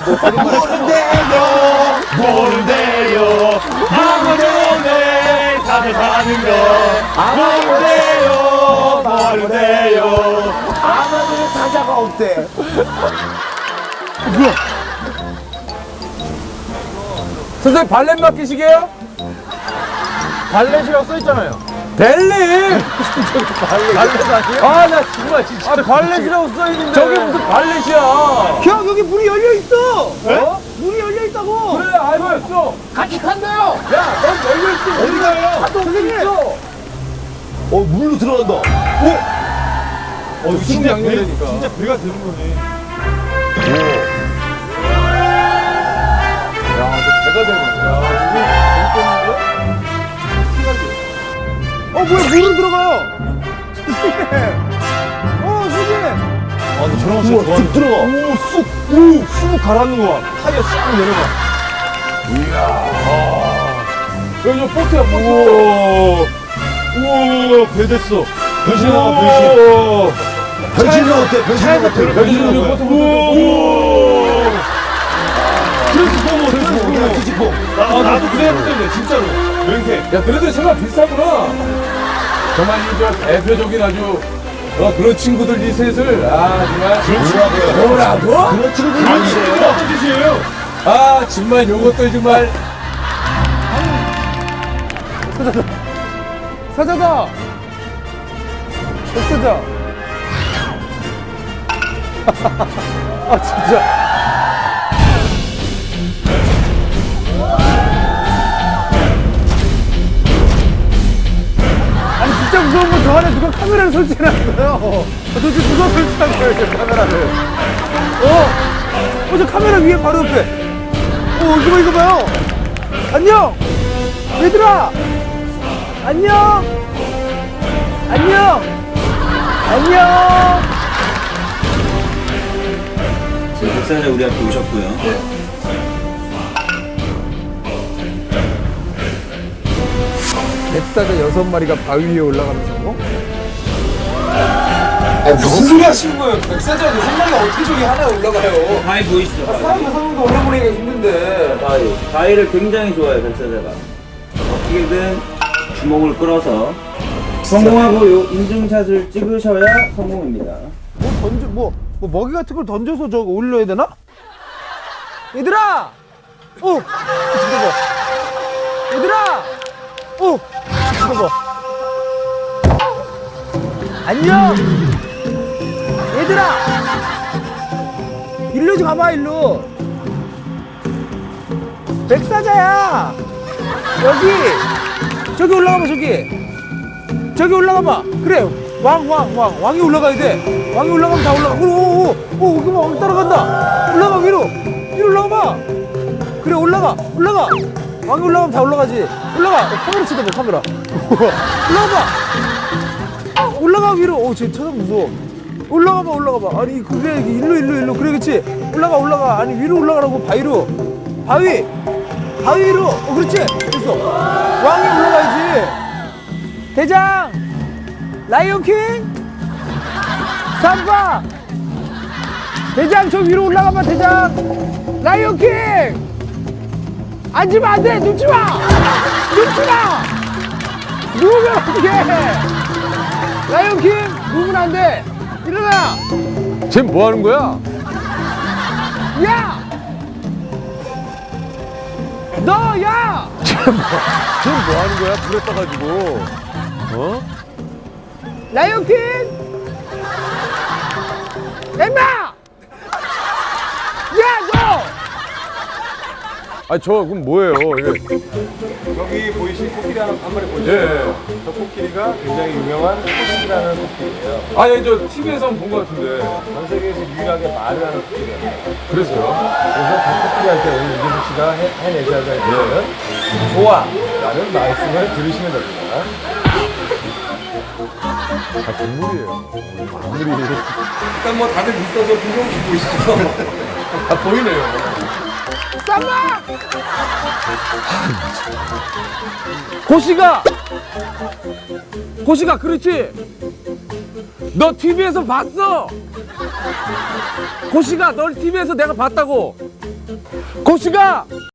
뭔데요? 아무도 내 삶을 사는 거 뭔데요? 아마도 사자가 없대. 선생님 발렛 맡기시게요? 발렛이라고 써있잖아요. 벨리! 발렛 아니에요? 아, 나 정말 진짜. 아, 발렛이라고 써있는데. 저게 무슨 발렛이야? 형 여기 문이 열려 있어. 어? 문이 열려 있다고. 그래, 알고 있어. 같이 간다요. 야, 넌 열려있지. 어디 가요? 선생님. 물로 들어간다. 진짜 양념되니까. 진짜 배가 되는 거네. 야, 너 배가 되는 거야. 뭐야 물은 들어가요. 선생님. 선생님. 근데 저런 거 진짜 좋아하는 쑥 들어가. 쑥 가라앉는 거 봐. 타이어 싹 내려가. 여기 저 보트야, 보트. 우와, 배 됐어. 변신하가 변신. 변신은 어때? 변신은 어때? 변신은 어때? 보트. 트랜스포머. 뒤집어. 나도 그래 했었는데, 진짜로. 맹세. 야, 너네들 생각 비슷하구나. 정말 이저 대표적인 아주 그런 친구들 이 셋을 정말 뭐라고? 그런 친구들 아니에요. 어떤 짓이에요? 정말 요것도 정말 사자다. 백사자. 진짜. 아니 진짜 무서운 건 저 안에 누가 카메라를 설치해놨어요. 도대체 누가 설치한 거예요, 저 카메라를? 저 카메라 위에 바로 옆에. 이거 봐요. 안녕! 얘들아! 안녕! 안녕! 안녕! 지금 백사자 우리 앞에 오셨고요. 백사자 6마리가 바위 위에 올라가면서 무슨 소리 하시는 거예요? 백사장이 생각이 어떻게 저기 하나에 올라가요? 바위 보이시죠? 사람 6명도 올라보내기가 힘든데. 바위를 굉장히 좋아해요, 백사자가. 어떻게든 주먹을 끌어서 성공하고 요 인증샷을 찍으셔야 성공입니다. 먹이 같은 걸 던져서 저거 올려야 되나? 얘들아! 잠깐만. 얘들아! 잠깐만. 안녕! 얘들아! 일로 좀 가봐, 일로. 백사자야! 저기 올라가봐, 저기. 저기 올라가봐. 그래, 왕이 올라가야 돼. 왕이 올라가면 다 올라가. 그만 왕 따라간다. 올라가, 위로 올라가봐. 그래, 올라가. 왕이 올라가면 다 올라가지. 올라가. 카메라 쳐다봐, 카메라. 올라가, 위로. 쟤 쳐다봐, 무서워. 올라가봐. 아니, 그래, 일로. 그래, 그치. 올라가. 아니, 위로 올라가라고, 바위 위로. 그렇지. 됐어. 왕이 올라가야지. 대장! 라이온킹! 삼바! 대장, 저 위로 올라가봐, 대장! 라이온킹! 앉으면 안 돼! 눕지 마! 누우면 안 돼! 라이온킹! 누우면 안 돼! 일어나! 쟤 뭐 하는 거야? 야! 너, 야! 쟤 뭐 하는 거야? 불에 떠가지고. 라이온킹! 엠마! 야, 너! 그럼 뭐예요? 여기 보이신 코끼리 한 마리 보이시죠? 예. 저 코끼리가 굉장히 유명한 코끼리라는 코끼리예요. 저 TV에서 본 것 같은데. 전 세계에서 유일하게 말을 하는 코끼리예요. 그랬어요? 그래서 그 코끼리한테 오늘 이재석 씨가 해내셔야 될 것은 좋아! 라는 말씀을 들으시면 됩니다. 동물이에요. 일단 뭐 다들 있어서 김경수 보이시죠? 보이네요. 쌈마! 고시가, 그렇지. 너 TV에서 봤어. 고시가 널 TV에서 내가 봤다고. 고수가